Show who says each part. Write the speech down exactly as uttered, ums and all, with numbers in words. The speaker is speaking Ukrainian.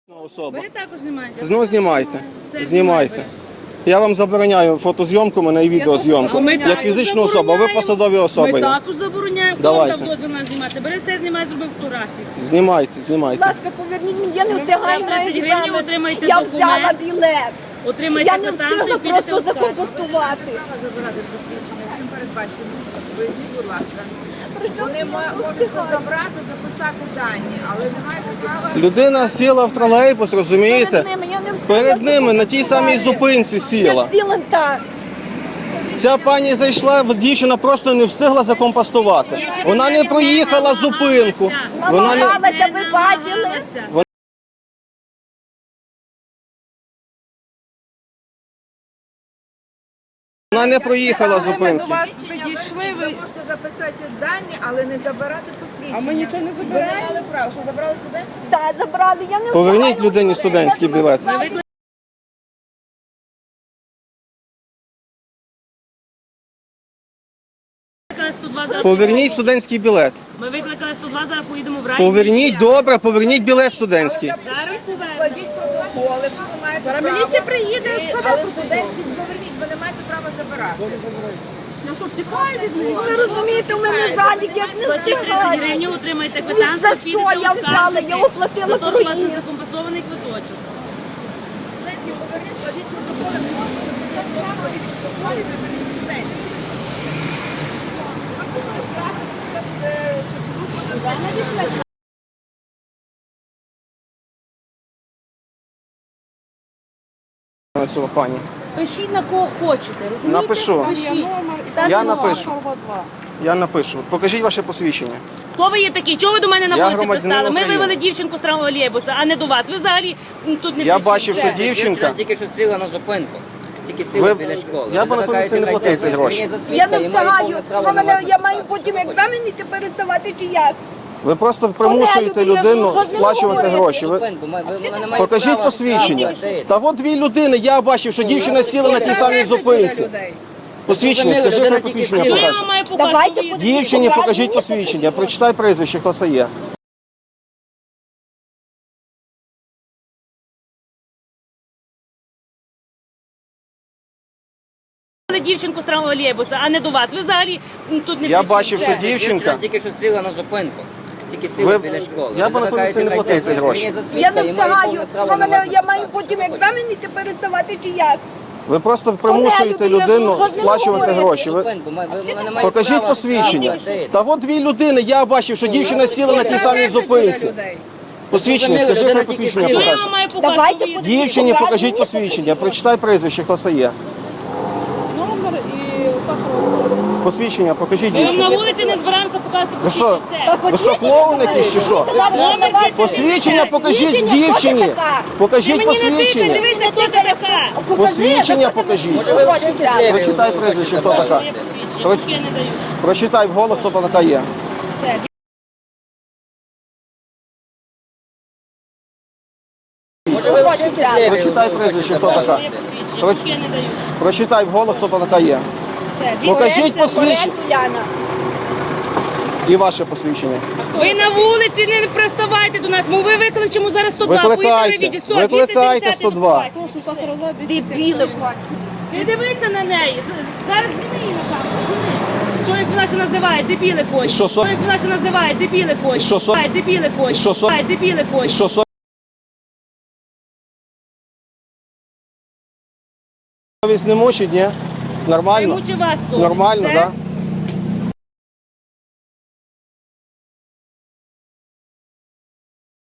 Speaker 1: Особа.
Speaker 2: Ви також знімаєте?
Speaker 1: Знову знімайте.
Speaker 2: Все,
Speaker 1: Знімайте. Я вам забороняю фотозйомку мене і відеозйомку.
Speaker 2: А ми
Speaker 1: Як
Speaker 2: також
Speaker 1: фізична особа, ви
Speaker 2: забороняємо.
Speaker 1: посадові особи.
Speaker 2: Ми
Speaker 1: є.
Speaker 2: також забороняємо. Хто
Speaker 1: Давайте.
Speaker 2: вам дав дозвіл нас знімати? Бери все, знімай, зроби фотографію.
Speaker 1: Знімайте,
Speaker 3: Будь
Speaker 1: знімайте.
Speaker 3: ласка, поверніть мені, я не встигаю на
Speaker 2: тридцять гривень,
Speaker 3: екзамен.
Speaker 2: отримайте
Speaker 3: Я
Speaker 2: документ.
Speaker 3: взяла білет.
Speaker 2: Отримайте
Speaker 3: Я не
Speaker 2: квитанцію,
Speaker 3: встигла
Speaker 2: підете
Speaker 3: просто
Speaker 2: в скарб.
Speaker 3: закомпостувати.
Speaker 4: Забирати посвідчення, чим передбачено? Поясніть, будь ласка. Вони мо- можуть забрати, записати дані, але не маєте права.
Speaker 1: Людина сіла в тролейбус, розумієте?
Speaker 3: Перед ними я не встигла
Speaker 1: Перед ними на тій самій
Speaker 3: закомпостувати.
Speaker 1: зупинці
Speaker 3: Я ж
Speaker 1: сіла.
Speaker 3: сіла так.
Speaker 1: Ця пані зайшла, дівчина просто не встигла закомпостувати. Вона не проїхала зупинку. Вона не...
Speaker 3: Намагалася, ви бачили?
Speaker 1: Вона не проїхала
Speaker 5: Ми
Speaker 1: зупинку.
Speaker 5: до вас підійшли,
Speaker 4: Ви
Speaker 5: ви...
Speaker 4: можете записати дані, але не забирати посвідчення.
Speaker 5: А ми нічого не
Speaker 4: Ви не
Speaker 5: забираємо.
Speaker 4: мали права, що забрали студентські?
Speaker 3: Так, забрали. Я не
Speaker 1: Поверніть
Speaker 3: встигаю.
Speaker 1: людині студентський білет.
Speaker 2: Ми викликали сто два, зараз
Speaker 1: Поверніть студентський білет.
Speaker 2: Ми викликали сто два, зараз поїдемо в район.
Speaker 1: Поверніть, добре, поверніть білет студентський.
Speaker 2: Зараз повернемо.
Speaker 4: Складіть протоколи, що ви маєте
Speaker 5: Зараз
Speaker 4: право.
Speaker 5: міліція приїде,
Speaker 4: І-
Speaker 5: складе
Speaker 4: Але
Speaker 5: протокол.
Speaker 4: студентські поверніть, ви не маєте права забирати.
Speaker 5: Я що, втікаю від них?
Speaker 3: Ви розумієте, у мене задік, я ж не
Speaker 2: Платіть тридцять
Speaker 3: встигаю.
Speaker 2: гривень, отримайте
Speaker 3: За
Speaker 2: квитанцію,
Speaker 3: що
Speaker 2: підете
Speaker 3: я
Speaker 2: в
Speaker 3: взяла?
Speaker 2: скаржити.
Speaker 3: Я оплатила
Speaker 2: За те, що у вас не
Speaker 3: проїзд.
Speaker 2: закомпенсований квиточок.
Speaker 4: Студентські поверніть, складіть протоколи, що ви складіть протоколи, заберіть студентські. Ви пішли штрафи, ще буде чи вступу на
Speaker 1: Цього пані.
Speaker 2: Пишіть на кого хочете, розумієте?
Speaker 1: Напишу.
Speaker 2: Пишіть.
Speaker 5: номер і
Speaker 2: Та
Speaker 1: Я
Speaker 2: що?
Speaker 1: напишу.
Speaker 5: два.
Speaker 1: Я напишу. Покажіть ваше посвідчення.
Speaker 2: Хто ви є такий? Чого ви до мене на
Speaker 1: Я
Speaker 2: вулиці
Speaker 1: громадянин
Speaker 2: пристали? Ми
Speaker 1: України.
Speaker 2: вивели дівчинку з травмолєбуса, а не до вас. Ви взагалі м, тут не
Speaker 1: Я
Speaker 2: прийшли.
Speaker 1: бачив, що
Speaker 2: Все.
Speaker 1: дівчинка.
Speaker 6: Тільки що сіла на зупинку. Тільки сіла
Speaker 1: Ви-
Speaker 6: біля школи.
Speaker 1: Я
Speaker 6: Ви
Speaker 1: б на тому місці не
Speaker 6: закликаєте
Speaker 1: платив ці
Speaker 6: мене,
Speaker 1: гроші.
Speaker 6: мені за свідка,
Speaker 3: Я не
Speaker 6: і маю повне
Speaker 3: встигаю.
Speaker 6: право
Speaker 3: Що
Speaker 6: на
Speaker 3: мене,
Speaker 6: вас
Speaker 3: я маю
Speaker 6: записати,
Speaker 3: потім
Speaker 6: що
Speaker 3: екзамен іти переставати чи як?
Speaker 1: Ви просто примушуєте
Speaker 3: людина,
Speaker 1: людину
Speaker 3: що ж не
Speaker 1: сплачувати
Speaker 3: говорите?
Speaker 1: гроші. Ви...
Speaker 6: Зупинку, ми- ви- вона не має
Speaker 1: Покажіть
Speaker 6: права
Speaker 1: посвідчення.
Speaker 6: ставити.
Speaker 1: Та от дві людини, я бачив, що дівчина сіла на тій самій зупинці. Посвідчення,
Speaker 6: Зрозуміло,
Speaker 1: скажи,
Speaker 6: людина
Speaker 1: хай
Speaker 6: тільки
Speaker 1: посвідчення
Speaker 6: сіла.
Speaker 2: Що я
Speaker 1: покаже.
Speaker 2: вам маю показати?
Speaker 3: Давайте
Speaker 2: Ви є-
Speaker 3: подивіться.
Speaker 1: Дівчині
Speaker 3: Покажіть
Speaker 1: покажіть
Speaker 3: мені
Speaker 1: посвідчення, прочитай прізвище, хто це є.
Speaker 2: Дівчинку з травмолєбуса, а не до вас. Ви взагалі м, тут не
Speaker 1: Я
Speaker 2: прийшли.
Speaker 1: бачив,
Speaker 2: Все.
Speaker 1: що дівчинка.
Speaker 6: Тільки що сіла на зупинку. Тільки сіла
Speaker 1: Ви-
Speaker 6: біля школи.
Speaker 1: я б
Speaker 6: Ви
Speaker 1: на тому місці не
Speaker 6: закликаєте
Speaker 1: платив ці
Speaker 6: мене,
Speaker 1: гроші.
Speaker 6: мені за свідка,
Speaker 3: Я не
Speaker 6: і маю повне
Speaker 3: встигаю.
Speaker 6: право
Speaker 3: Що
Speaker 6: на
Speaker 3: мене,
Speaker 6: вас
Speaker 3: я маю
Speaker 6: записати,
Speaker 3: потім
Speaker 6: що
Speaker 3: екзамен іти переставати чи як?
Speaker 1: Ви просто примушуєте
Speaker 3: людина,
Speaker 1: людину
Speaker 3: що ж не
Speaker 1: сплачувати
Speaker 3: говорите?
Speaker 1: гроші. Ви...
Speaker 6: Зупинку, ми- ви- вона не має
Speaker 1: Покажіть
Speaker 6: права
Speaker 1: посвідчення.
Speaker 6: ставити.
Speaker 1: Та от дві людини, я бачив, що дівчина сіла на тій самій зупинці. Посвідчення,
Speaker 6: Зрозуміло,
Speaker 1: скажи, хай
Speaker 6: людина
Speaker 1: посвідчення
Speaker 6: тільки
Speaker 2: Що я
Speaker 1: покаже.
Speaker 2: вам маю показати?
Speaker 3: Давайте
Speaker 2: Ви є-
Speaker 3: подивіться.
Speaker 1: Дівчині
Speaker 3: Покажіть
Speaker 1: покажіть
Speaker 3: мені
Speaker 1: посвідчення, прочитай прізвище, хто це є.
Speaker 5: Номер і Сахарова.
Speaker 1: Посвідчення, покажіть
Speaker 2: Ми вам на
Speaker 1: дівчині.
Speaker 2: вулиці не збираємося показувати
Speaker 1: Ви що?
Speaker 2: посвідчення. Все.
Speaker 1: Ви що, клоун якийсь чи що?
Speaker 2: Номер
Speaker 1: Посвідчення покажіть
Speaker 3: Дівчині, хто ти
Speaker 1: дівчині.
Speaker 3: така?
Speaker 2: Ти
Speaker 1: Покажіть
Speaker 2: мені не тикай,
Speaker 1: посвідчення.
Speaker 2: дивися, хто ти така.
Speaker 1: Посвідчення покажіть.
Speaker 6: Може, ви вчитесь ліві,
Speaker 1: Прочитай
Speaker 6: ви
Speaker 1: прізвище, хто
Speaker 6: хочете
Speaker 1: така.
Speaker 2: Є посвідчення,
Speaker 1: Проч-
Speaker 2: поки я не даю.
Speaker 1: Прочитай вголос, хто така є.
Speaker 2: Все.
Speaker 6: Може, ви вчитесь ліві,
Speaker 1: Прочитай
Speaker 6: ви
Speaker 1: прізвище,
Speaker 6: хочете
Speaker 1: хто така.
Speaker 2: Є посвідчення,
Speaker 1: Проч-
Speaker 2: поки я не даю.
Speaker 1: Прочитай вголос, хто така є.
Speaker 2: Все.
Speaker 1: Покажіть посвідчення.
Speaker 3: Уляна.
Speaker 1: І ваше посвідчення.
Speaker 2: Ви на вулиці не приставайте до нас, бо ви викличемо зараз сто два.
Speaker 1: Викликайте, викликайте сто два.
Speaker 5: Прошу, Сахарова,
Speaker 3: Дебіли.
Speaker 2: Не дивися на неї. З- Зараз зніми її на камеру. зніми. Що як вона ще називає? Дебіли
Speaker 1: І
Speaker 2: кончі.
Speaker 1: що, со-
Speaker 2: Що як вона ще називає? Дебіли кончі.
Speaker 1: І що, со-
Speaker 2: Ай, Дебіли кончі.
Speaker 1: І що, со-
Speaker 2: Ай, Дебіли
Speaker 1: І
Speaker 2: кончі.
Speaker 1: що, совість не мучить, ні?
Speaker 2: Не
Speaker 1: Нормально?
Speaker 2: мучи вас совість.
Speaker 1: Нормально,
Speaker 2: Все?
Speaker 1: так? Да?